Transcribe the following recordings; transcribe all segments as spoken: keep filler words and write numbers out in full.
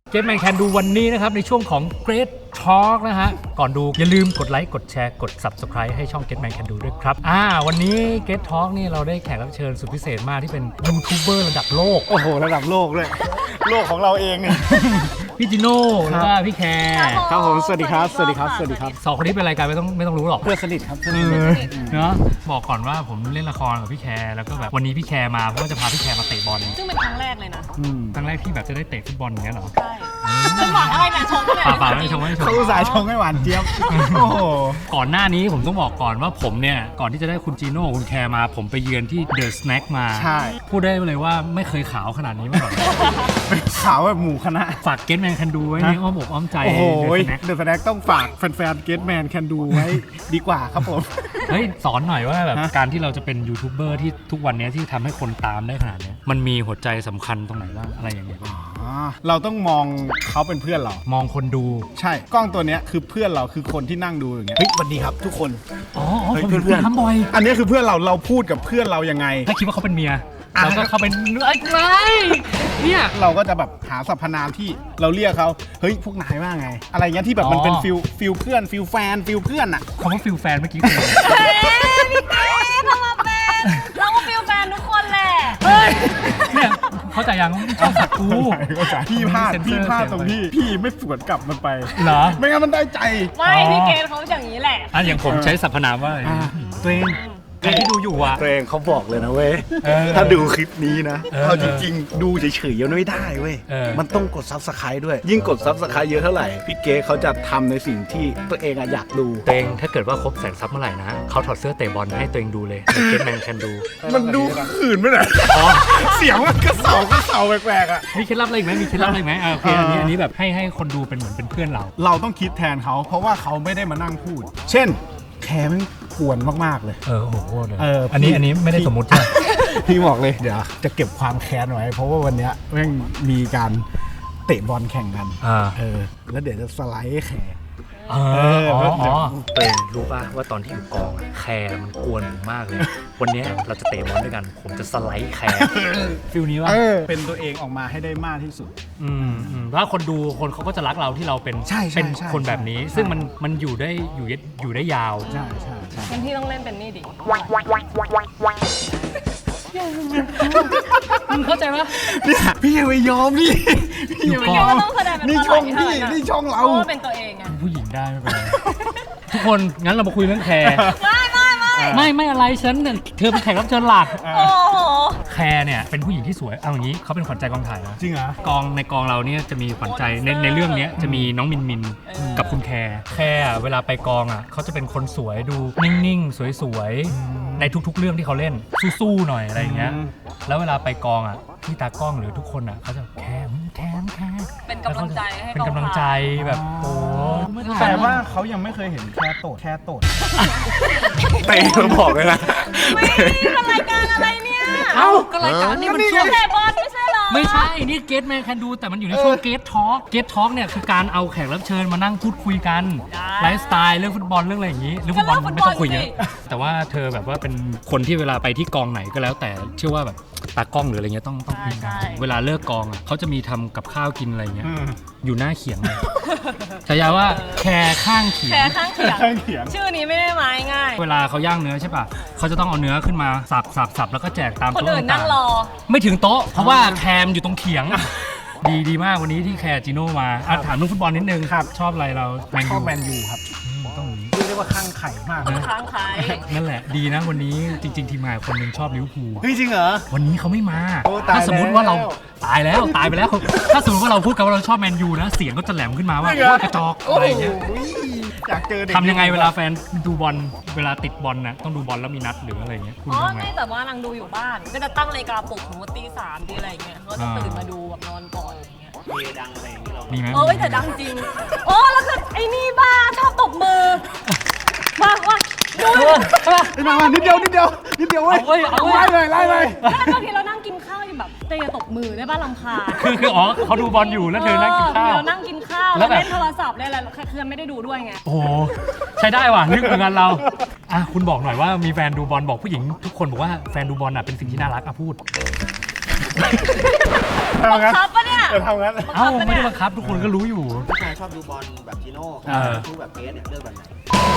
Get Man Can Do วันนี้นะครับในช่วงของ Great Talk นะฮะก่อนดูอย่าลืมกดไลค์กดแชร์กด Subscribe ให้ช่อง Get Man Can Do ด้วยครับอ่าวันนี้ Great Talk นี่เราได้แขกรับเชิญสุดพิเศษมากที่เป็นยูทูบเบอร์ระดับโลกโอ้โหระดับโลกเลยโลกของเราเองนี่พี่จิโน่แล้วก็พี่แคร์ครับผมสวัสดีครับสวัสดีครับสวัสดีครับสองคนนี้เป็นรายการไม่ต้องไม่ต้องรู้หรอกเพื่อนสนิทครับเนาะบอกก่อนว่าผมเล่นละครกับพี่แคร์แล้วก็แบบวันนี้พี่แคร์มาเพราะว่าจะพาพี่แคร์มาเตะบอลซึ่งเป็นครั้งแรกเลยนะครั้งแรกที่แบบจะได้เตะฟุตบอลอย่างเงี้ยเหรอใช่จะหวังอะไรเนี่ยชงก็เลยป่าๆไม่ชงไม่ชงเขาอุตส่าห์ชงให้หวานเจี๊ยบโอ้โหก่อนหน้านี้ผมต้องบอกก่อนว่าผมเนี่ยก่อนที่จะได้คุณจีโน่คุณแคร์มาผมไปเยือนที่เดอะสแน็คมาใช่พูดได้เลยว่าไม่เคยขาวขนาดนี้มาก่อนขาวแบบหมู่คณะฝาก Get Man Can Do ไว้ในอ้อมอกอ้อมใจโอ้โหเดอะสแน็คต้องฝากแฟนๆ Get Man Can Do ไว้ดีกว่าครับผมเฮ้ยสอนหน่อยว่าแบบการที่เราจะเป็นยูทูบเบอร์ที่ทุกวันนี้ที่ทำให้คนตามได้ขนาดนี้มันมีหัวใจสำคัญตรงไหนบ้างอะไรอย่างเงี้ยบ้างเราต้องมองเขาเป็นเพื่อนเรามองคนดูใช่กล้องตัวนี้คือเพื่อนเราคือคนที่นั่งดูอย่างเงี้ยเฮ้ยสวัสดีครับทุกคนอ๋อผมเพื่อนทำบ่อยอันนี้คือเพื่อนเราเราพูดกับเพื่อนเรายังไงถ้าคิดว่าเขาเป็นเมียเราก็เขาเป็นอะไรเนี่ยเราก็จะแบบหาสรรพนามที่เราเรียกเขาเฮ้ยพวกนายว่าไงอะไรเงี้ยที่แบบมันเป็นฟิลฟิลเพื่อนฟิลแฟนฟิลเพื่อนอะคำว่าฟิลแฟนเมื่อกี้คือเฮ้ยพี่เก๋ทำมาเป็นเราก็ฟิลแฟนทุกคนแหละเฮ้ยเนี่ยเข้าใจยังชอบสักกูพี่พลาดพี่พลาดตรงที่พี่ไม่สวนกลับมันไปเหรอไม่งั้นมันได้ใจไม่พี่เก๋เขาอย่างนี้แหละอ่ะอย่างผมใช้สรรพนามว่าตัวเองใครที่ดูอยู่อ่ะตัวเองเขาบอกเลยนะเว้ยถ้าดูคลิปนี้นะเอาจริงๆดูเฉยๆยังไม่ได้เว้ยมันต้องกดซับสไครต์ด้วยยิ่งกดซับสไครต์เยอะเท่าไหร่พี่เก๋เขาจะทำในสิ่งที่ตัวเองอยากดูตัวเองถ้าเกิดว่าครบแสนซับเมื่อไหร่นะเขาถอดเสื้อเตะบอลให้ตัวเองดูเลยเก็ตแมนแคนดูมันดูขื่นไหมเนี่ยเสียงมันกระเสากระเสาแปลกๆอ่ะมีเคล็ดลับอะไรไหมมีเคล็ดลับอะไรไหมโอเคอันนี้อันนี้แบบให้ให้คนดูเป็นเหมือนเป็นเพื่อนเราเราต้องคิดแทนเขาเพราะว่าเขาไม่ได้มานั่งพูดเช่นแคร์มันกวนมากๆเลยเออโอ้โหเลยอันนี้อันนี้ไม่ได้สมมุติใช่พี่บอกเลยเดี๋ยวจะเก็บความแค้นไว้เพราะว่าวันนี้แม่งมีการเตะบอลแข่งกันเออแล้วเดี๋ยวจะสไลด์แคร์อ๋ออ๋อตัวเองรู้ป่ะว่าตอนที่อยู่กองแคร์มันกวนมากเลยวันนี้เราจะเตะบอลด้วยกันผมจะสไลด์แคร์ฟิลนี้ว่าเป็นตัวเองออกมาให้ได้มากที่สุดอืมแล้วคนดูคนเขาก็จะรักเราที่เราเป็นเป็นคนแบบนี้ซึ่งมันมันอยู่ได้อยู่อยู่ได้ยาวใช่ใช่ใช่งั้นพี่ต้องเล่นเป็นนี่ดิมึงเข้าใจปะเนี่ยพี่ยังไม่ยอมนี่พี่ยังไม่ยอมต้องแสดงเป็นนี่ช่องพี่นี่ช่องเราเป็นตัวเองไงผู้หญิงได้ไม่เป็นไรทุกคนงั้นเรามาคุยเรื่องแคร์ไม่ไม่ไม่ไม่ไม่อะไรฉันเธอเป็นแขกรับเชิญหลักโอ้โหแคร์เนี่ยเป็นผู้หญิงที่สวยเอาอย่างนี้เขาเป็นขวัญใจกองถ่ายนะจริงเหรอกองในกองเราเนี่ยจะมีขวัญใจในในเรื่องนี้จะมีน้องมินมินกับคุณแคร์แคร์เวลาไปกองอ่ะเขาจะเป็นคนสวยดูนิ่งๆสวยๆในทุกๆเรื่องที่เขาเล่นสู้ๆหน่อยอะไรอย่างเงี้ยแล้วเวลาไปกองอ่ะที่ตากล้องหรือทุกคนอ่ะเขาจะแคร์แคร์แคร์เป็นกำลังใจให้เป็นกำลังใจแบบโอ้แต่ว่าเขายังไม่เคยเห็นแคร์โตดแคร์โตดเตะมาบอกเลยนะไม่เป็นรายการอะไรเนี่ยเอ้าก็รายการนี้มันช่วงเตะบอลไม่ใช่หรอไม่ใช่นี่ Get Man Can Do แต่มันอยู่ในช่วง Get Talk Get Talk เนี่ยคือการเอาแขกรับเชิญมานั่งพูดคุยกันไลฟ์สไตล์เรื่องฟุตบอลเรื่องอะไรอย่างนี้เรื่องฟุตบอลไม่ต้องคุยเยอะแต่ว่าเธอแบบว่าเป็นคนที่เวลาไปที่กองไหนก็แล้วแต่เชื่อว่าแบบตากล้องหรืออะไรเงี้ยต้องต้องคุยกันเวลาเลิกกองอ่ะเขาจะมีทำกับข้าวกินอะไรเงี้ยอยู่หน้าเขียงเลยฉายาว่าแคร์ข้างเขียงแคร์ข้างเขียงชื่อนี้ไม่ได้หมายง่ายเวลาเขาย่างเนื้อใช่ป่ะเขาจะต้องเอาเนื้อขึ้นมาสับสับสับแล้วก็แจกตามโต๊ะคนอื่นนั่งรอไม่ถึงโต๊ะเพราะว่าแคมอยู่ตรงเขียงดีดีมากวันนี้ที่แคร์จิโน่มาถามเรื่องฟุตบอลนิดนึงครับชอบอะไรเราชอบแมนยูครับต้องเรียกว่าข้างไข่มากนะข้างไข่นั่นแหละดีนะวันนี้จริงๆทีมงานคนนึงชอบลิเวอร์พูลจริงเหรอวันนี้เขาไม่มาถ้าสมมติว่าเราตายแล้วตายไปแล้วถ้าสมมติว่าเราพูดกันว่าเราชอบแมนยูนะเสียงก็จะแหลมขึ้นมาว่ากระจอกอะไรอย่างเงี้ยอยากเจอทำยังไงเวลาแฟนดูบอลเวลาติดบอลนะต้องดูบอลแล้วมีนัดหรืออะไรเงี้ยอ๋อไม่แต่ว่านางดูอยู่บ้านก็จะตั้งนาฬิกาปลุกสมมติตีสามตีอะไรเงี้ยก็จะตื่นมาดูแบบนอนก่อนอะไรเงี้ยมีดังอะไรอย่างเงี้ยมีไหมเออแต่ดังจริงโอ้แล้วคือไอ้นี่บ้าชอบตบมือมาว่าดูมามานิดเดียวนิดเดียวนิดเดียวเว้ยไล่เลยไล่เลยแล้วบางทีเรานั่งกินข้าวอยู่แบบเตะตบมือได้บ้านลำคาคือคืออ๋อเขาดูบอลอยู่แล้วเธอนั่งกินข้าวเรานั่งกินข้าวแล้วเล่นโทรศัพท์เล่นอะไรคือไม่ได้ดูด้วยไงโอ้ใช้ได้ว่ะนึกเหมือนกันเราอ่ะคุณบอกหน่อยว่ามีแฟนดูบอลบอกผู้หญิงทุกคนบอกว่าแฟนดูบอลอ่ะเป็นสิ่งที่น่ารักอ่ะพูดบังคับปะเนี่ยจะทำงั้นเอ้าไม่ได้บังคับทุกคนก็รู้อยู่ผู้ชายชอบดูบอลแบบจิโน่เออดูแบบเกสเนี่ยเลือกแบบไหน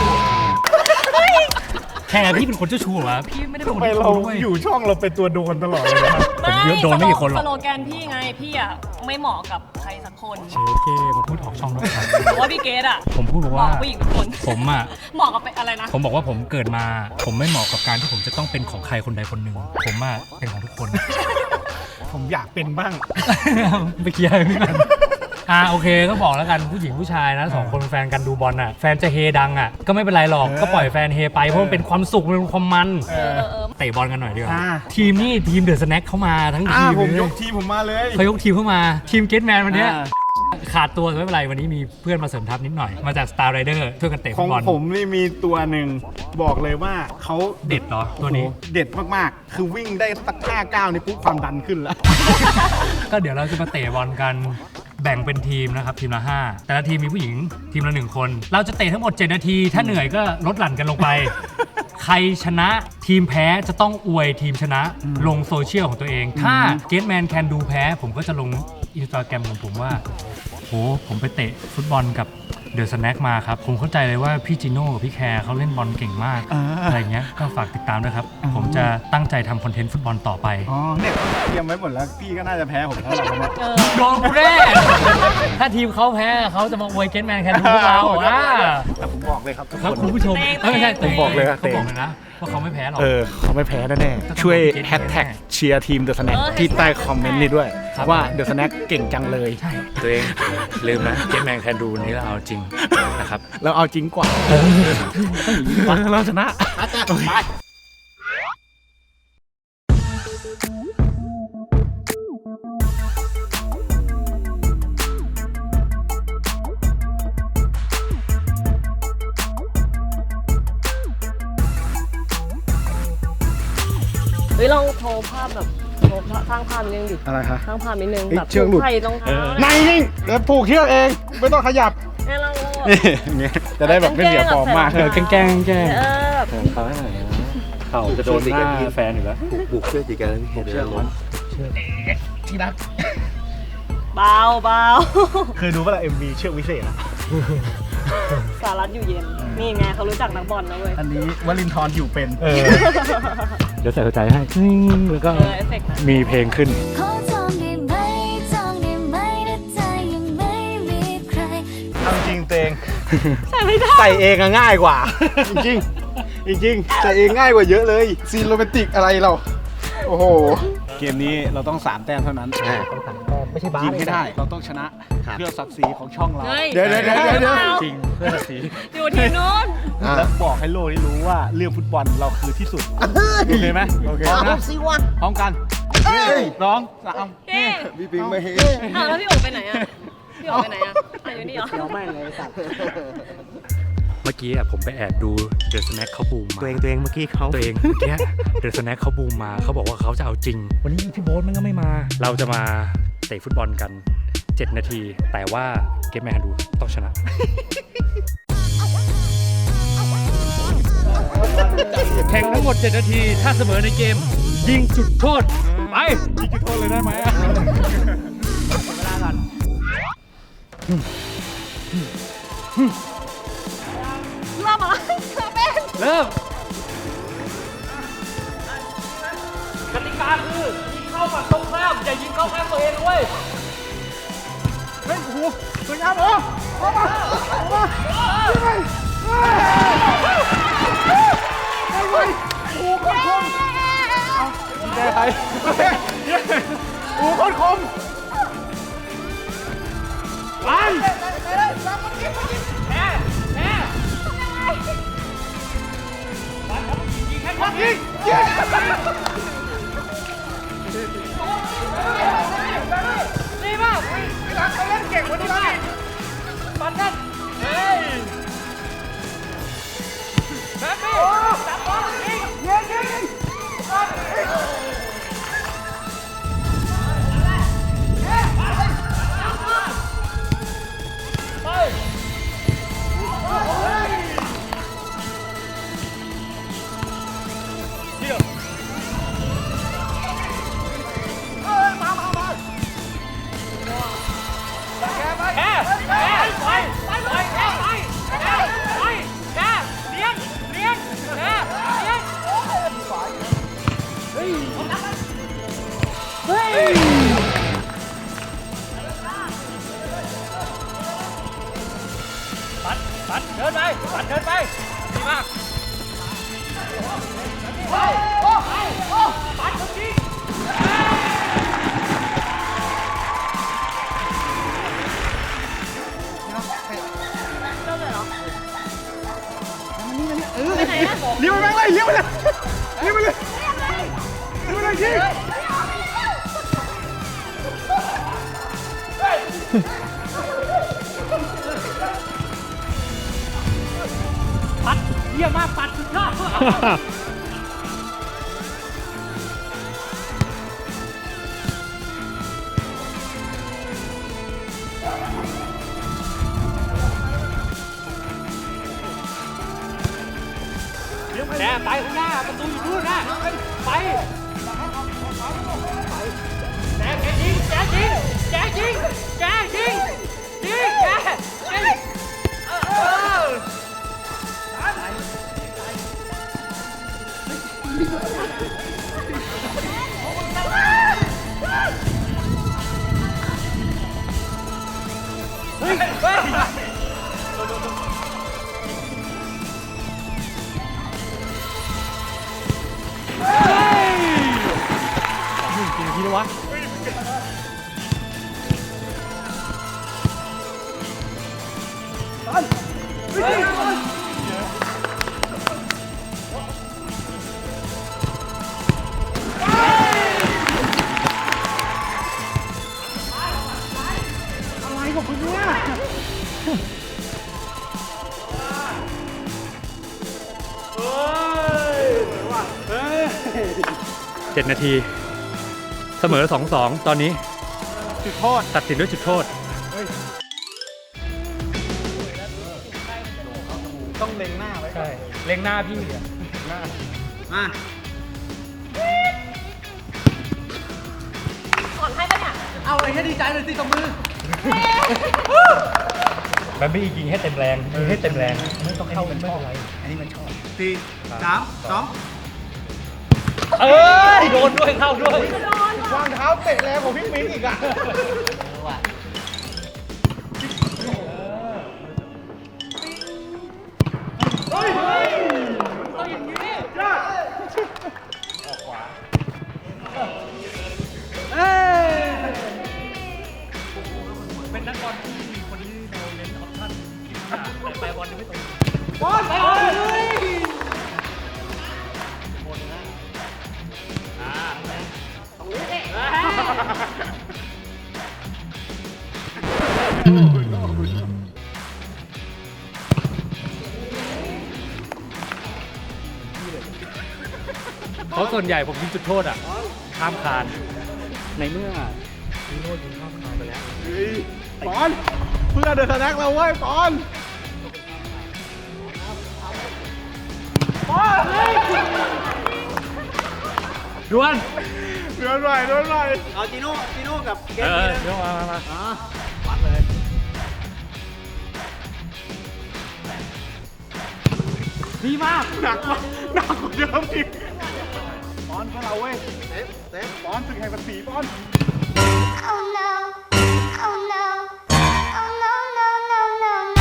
แค่พี่เป็นคนเจ้าชู้เหรอวะพี่ไม่ได้เป็นคนทำไมเจ้าเราชู้ด้วยอยู่ช่องเราเป็นตัวโดนตลอดเลยนะครับผมเยอะโดนไม่กี่คนหรอกสโลแกนพี่ไงพี่อ่ะไม่เหมาะกับใครสักคนเชเคมาพูดออกช่องนะครับเพราะว่าพี่เกดอ่ะผมพูดบอกเหมาะว่ากับผู้หญิงทุกคนผมอ่ะเหมาะกับเป็นอะไรนะผมบอกว่าผมเกิดมา ผมไม่เหมาะกับการที่ผมจะต้องเป็นของใครคนใดคนหนึ่งผมอ่ะเป็นของทุกคนผมอยากเป็นบ้างไปเคลียร์พี่กันอ่าโอเคก็บอกแล้วกันผู้หญิงผู้ชายนะสองคนเป็นแฟนกันดูบอลน่ะแฟนจะเฮดังอ่ะก็ไม่เป็นไรหรอกเออก็ปล่อยแฟนเฮไปเพราะมันเป็นความสุขมันเป็นความมันเออเออเออเตะบอลกันหน่อยดีกว่าอ่าทีมนี่ทีมเดอะสแน็คเข้ามาทั้งอ่าทีมผมเลยยกทีมผมมาเลยเขายกทีมเข้ามาทีมเกตแมนวันเนี้ยอ่าขาดตัวไม่เป็นไรวันนี้มีเพื่อนมาเสริมทัพนิดหน่อยมาจาก Star Rider ช่วยกันเตะขฟุองตบอลผมนี่มีตัวหนึ่งบอกเลยว่าเขาเด็ดเหรอตัวนี้โอ้โหเด็ดมากๆ คือวิ่งได้สักห้าก้าวนี่ปุ๊บความดันขึ้นแล้วก็เดี๋ยวเราจะมาเตะบอลกันแบ่งเป็นทีมนะครับทีมละห้าแต่ละทีมมีผู้หญิงทีมละหนึ่งคน เราจะเตะทั้งหมดเจ็ดนาที ถ้าเหนื่อยก็ลดหลั่นกันลงไป ใครชนะทีมแพ้จะต้องอวยทีมชนะลงโซเชียลของตัวเอง ถ้าเกตแมนแคนดูแพ้ ผมก็จะลงอินสตาแกรมของผมว่าโหผมไปเตะฟุตบอลกับเดอะสแน็คมาครับ ผมเข้าใจเลยว่าพี่จิโน่กับพี่แคร์เขาเล่นบอลเก่งมากอ่าอะไรเงี้ยก็ฝากติดตามด้วยครับ ผมจะตั้งใจทำคอนเทนต์ฟุตบอลต่อไปอ๋อเนี่ยเตรียมไว้หมดแล้วพี่ก็น่าจะแพ้ผมแล้วแหละวันเนี้ยเออโดนกูแน่ ถ้าทีมเขาแพ้เขาจะมาอวยเกตแมนแคนดูพวกเราอ่ะแต่ผมบอกเลยครับทุกครับคนคุณผู้ชมเตะเอ้ยไม่ใช่เตะเตะบอกเลยว่าเขาเตะบอกเลยนะว่าเขาไม่แพ้หรอกเออเขาไม่แพ้แน่ๆช่วยแฮชแท็กเชียร์ทีมเดอะสแน็คเออที่ใต้คอมเมนต์นี้ด้วยครับว่าเดอะสแน็คเก่งจังเลยใช่ตัวเองลืมนะเกตแมนแคนดูนี้เราเอาจริงนะครับเราเอาจริงกว่าเราชนะเฮ้ยลองโทรภาพแบบโทรสร้างภาพนิดนึงดิอะไรคะสร้างภาพนิดนึงเอ้ยแบบเชือกหลุดใส่รองเท้าในนิ่งเดี๋ยวผูกเชือกเองไม่ต้องขยับให้เราเราแบบนี่อย่างเงี้ยจะได้แบบไม่เสียฟอร์มมากเออแกล้งแกล้งแกล้งเออแบบเขาให้หน่อยนะเขาจะโดนหน้าแฟนอยู่แล้วบุกเชื่อจีกันพี่เชื่อร้อนที่รักเบาเบาเคยดูป่ะล่ะ เอ็ม วี เชือกวิเศษอะสารัตอยู่เย็น นี่ไงเขารู้จักนักบอลนะเว้ยอันนี้วลินทร์อยู่เป็นเออเดี๋ยวใส่หัวใจให้แล้วก็เออเอฟเฟกต์นะมีเพลงขึ้นขอจองได้ไหมจองได้ไหมถ้าใจยังไม่มีใครเอาจริงเตงใส่ไม่ได้ใส่เองอะง่ายกว่า จริงจริงจริงๆใส่เองง่ายกว่าเยอะเลย ซีนโรแมนติกอะไรเรา โอ้โห เกมนี้เราต้องสามแต้มเท่านั้นไม่ใช่บ้ายิงให้ได้ เราต้องชนะเพื่อศักดิ์ศรีของช่องเราเฮ้ยเดี๋ยวเดี๋ยวเดี๋ยวเดี๋ยวจริงเพื่อสีอยู่ทีมนู้นแล้วบอกให้โลกได้รู้ว่าเรื่องฟุตบอลเราคือที่สุด โอเคไหมโอเคนะพร้อมกันน้องสามเก้พี่ปิงไม่เห็นอ้าวแล้วพี่โอ๋ไปไหนอ่ะ พี่โอ๋ไปไหนอ่ะอ่ะอยู่นี่เหรอเดี๋ยวแม่งเลยสัตว์เมื่อกี้อะผมไปแอบดูเดอะสแน็คเขาบูมมาตัวเองตัวเองเมื่อกี้เขาตัวเองเมื่อกี้เดอะสแน็คเขาบูมมาเขาบอกว่าเขาจะเอาจริง วันนี้พี่โบ๊ทมันก็ไม่มา เราจะมาเตะฟุตบอลกัน เจ็ด นาที แต่ว่าเกมแมนดูต้องชนะ แข่งทั้งหมด เจ็ด นาที ถ้าเสมอในเกม ยิงจุดโทษ ไปยิงจุดโทษเลยได้ไหมอะเริ่มอะไรเริ่มเป็นกติกาคือยิงเข้าฝั่งตรงข้ามอย่ายิงเข้าข้างตัวเองด้วยเฮ้ยโอ้โหสวยงามเหรอออกมาออกมาไปไปโอ้โหโคตรคมเอาแกใครโอ้โหโคตรคมไปยิงยิงดีมากเขาเล่นเก่งกว่านี้นะปันนั่นเฮ้ยแบ็คบี้จับบอลยิงยิงยิงปัดเดินไปปัดเดินไปดีมากเลี้ยวไปแม่งเลยเลี้ยวไปเลยเลี้ยวไปเลยเลี้ยวไปเลยชิปัดเยี่ยมมากปัดสุดยอดแกไปข้างหน้าประตูอยู่นู่นนะไปแกแกยิงแกยิงแกยิงแกยิงยิงแกยิงเออเฮ้ยเฮ้ยกี่นาทีแล้ววะอะไรของคุณเนี่ยเจ็ดนาทีเสมอ สองสอง ตอนนี้จุดโทษตัดสินด้วยจุดโทษต้องเล็งหน้าไว้ใช่เล็งหน้าพี่อ่ะหน้ามาสอนให้ปะเนี่ยเอาอะไรให้ดีใจเลยสิตบมือมันไม่ยิงให้เต็มแรงยิงให้เต็มแรงไม่ต้องเข้ามันไม่เป็นไรอันนี้มันชอบสี่สามสองเอ้ยโดนด้วยเข้าด้วยวางเท้าเตะแรงของพี่มิ้งอีกอ่ะเป็นนักบอลที่มีคนที่เราเน้นออปชั่นแต่ไปบอลยังไม่ตรงบอลไปเลยเพราะส่วนใหญ่ผมยิงจุดโทษอ่ะข้ามคานในเมื่อยิงโทษยิงข้ามคานไปแล้วปอนเพื่อเดินสแน็คเราเว้ยปอนปอนดวนเดินหน่อยเดินหน่อยเอาจีโน่จีโน่กับเกเอมอนี้นะเดี๋ยวมามามาวัดเลยดีมากหนักกว่าหนักกว่าเดิมอีกปอนพวกเราเว้ยเซฟเซฟปอนสึกแห่งภาษีปอน Oh no Oh no Oh no no no no no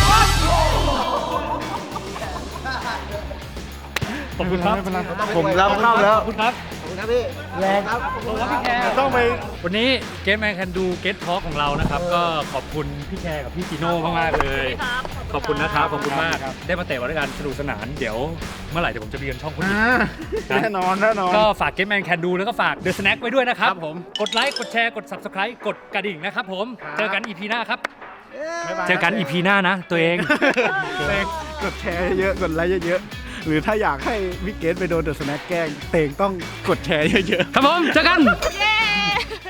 ขอบคุณครับผมรับเข้าแล้วขอบคุณครับขอบคุณครับพี่แรงครับขอบคุณครับพี่แคร์ต้องไปวันนี้เกมแมนแคนดูเกตทอ l k ของเรานะครับ ก็ขอบคุณพี่แคร์กับพี่จีโน่มากๆเลย ขอบคุณนะครับ ขอบคุณมาก ได้มาเตะบอลด้วยกันสนุกสนาน เดี๋ยวเมื่อไหร่เดี๋ยวผมจะไปเยือนช่องคุณอีกแน่นอนแน่นอนก็ฝากเกมแมนแคนดูแล้วก็ฝากเดอะสแน็คไว้ด้วยนะครับครับผมกดไลค์ กดแชร์ กด Subscribe กดกระดิ่งนะครับผมครับเจอกัน อี พี หน้าครับบ๊ายบายเจอกัน อี พี หน้านะ ตัวเองเตงกดแชร์เยอะๆกดไลค์เยอะๆหรือถ้าอยากให้วิกเกตไปโดนเดอะสแน็คแกล้งเตงต้องกดแชร์เยอะๆครับผม เจอกันเย้